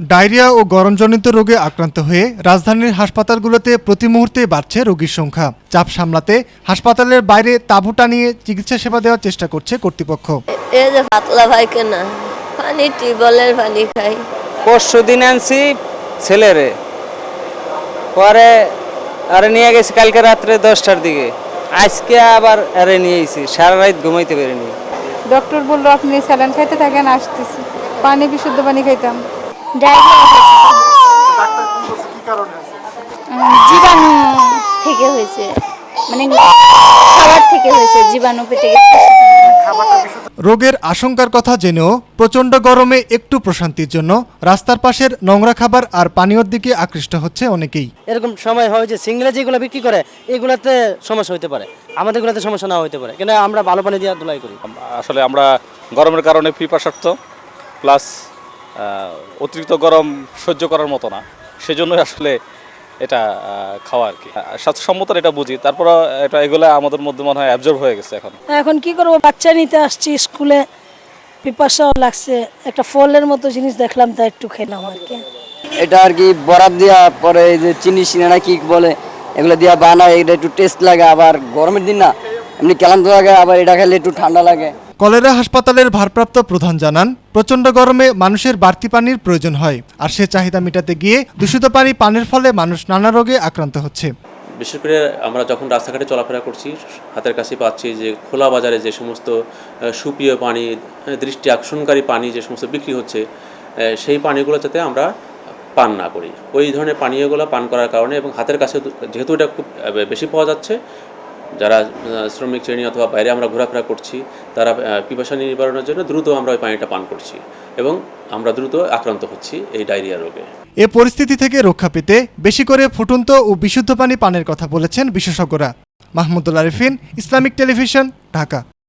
Diarrhoea ও গরমজনিত রোগে আক্রান্ত হয়ে রাজধানীর হাসপাতালগুলোতে প্রতি মুহূর্তে বাড়ছে রোগীর সংখ্যা। চাপ সামলাতে হাসপাতালের বাইরে তাঁবু টানিয়ে চিকিৎসা সেবা দেওয়ার চেষ্টা করছে কর্তৃপক্ষ। এই যে পাতলা পায়খানা, পানি টিউবওয়েলের পানি খাই। পরশু দিন আনছি ছেলেরে, পরে আরে নিয়ে গেছি কালকে রাত্রে 10টার দিকে, আজকে আবার আরে নিয়ে এসেছি, সারা রাত ঘুমাইতে পারিনি। ডক্টর বললো আপনি স্যালাইন খাইতে থাকেন, আসতেছি। পানি বিশুদ্ধ পানি খাইতাম। জীবাণু থেকে হয়েছে, মানে খাবার থেকে হয়েছে, জীবাণু পেটে গেছে। রোগের আশঙ্কার কথা জেনেও প্রচণ্ড গরমে একটু প্রশান্তির জন্য রাস্তার পাশের নোংরা খাবার আর পানীয়র দিকে আকৃষ্ট হচ্ছে অনেকেই। এরকম সময় হয় যে সিঙ্গেলে যেগুলো বিক্রি করে এগুলোতে সমস্যা হতে পারে, আমাদেরগুলোতে সমস্যা না হতে পারে, কিন্তু আমরা ভালো পানি দিয়ে ধুলাই করি। আসলে আমরা গরমের কারণে পিপাসার্থ, প্লাস অতিরিক্ত গরম সহ্য করার মতো না, সেজন্যই আসলে এটা খাওয়া আর কি। স্বাস্থ্যসম্মত এটা বুঝি, তারপর এটা এগুলো আমাদের মধ্যে মনে হয় অ্যাবজর্ব হয়ে গেছে। এখন কি করবো, বাচ্চা নিতে আসছি স্কুলে, পিপাসাও লাগছে, একটা ফলের মতো জিনিস দেখলাম তাই একটু খেলাম আর কি। এটা আর কি বরফ দিয়া পরে এই যে চিনি সিনেনা কি বলে এগুলো দিয়া বানায়, এটা একটু টেস্ট লাগে। আবার গরমের দিন না এমনি ক্লান্ত লাগে, আবার এটা খেলে একটু ঠান্ডা লাগে। কলেরা হাসপাতালের ভারপ্রাপ্ত প্রধান জানান, প্রচণ্ড গরমে মানুষের বাড়তি পানির প্রয়োজন হয়, আর সে চাহিদা মেটাতে গিয়ে দূষিত পানি পানের ফলে মানুষ নানা রোগে আক্রান্ত হচ্ছে। বিশেষ করে আমরা যখন রাস্তাঘাটে চলাফেরা করছি, হাতের কাছে পাচ্ছি যে খোলা বাজারে যে সমস্ত সুপেয় পানি, দৃষ্টি আকর্ষণকারী পানি যে সমস্ত বিক্রি হচ্ছে, সেই পানিগুলো যাতে আমরা পান না করি। ওই ধরনের পানীয়গুলো পান করার কারণে এবং হাতের কাছে যেহেতু এটা খুব বেশি পাওয়া যাচ্ছে, যারা শ্রমিক শ্রেণী অথবা বাইরে আমরা ঘোরাফেরা করছি, তারা পিপাসা নিবারণের জন্য দ্রুত আমরা ওই পানিটা পান করছি এবং আমরা দ্রুত আক্রান্ত হচ্ছি এই ডায়রিয়া রোগে। এ পরিস্থিতি থেকে রক্ষা পেতে বেশি করে ফুটন্ত ও বিশুদ্ধ পানি পানের কথা বলেছেন বিশেষজ্ঞরা। Mahmudul Arifin, Islamic television, Dhaka.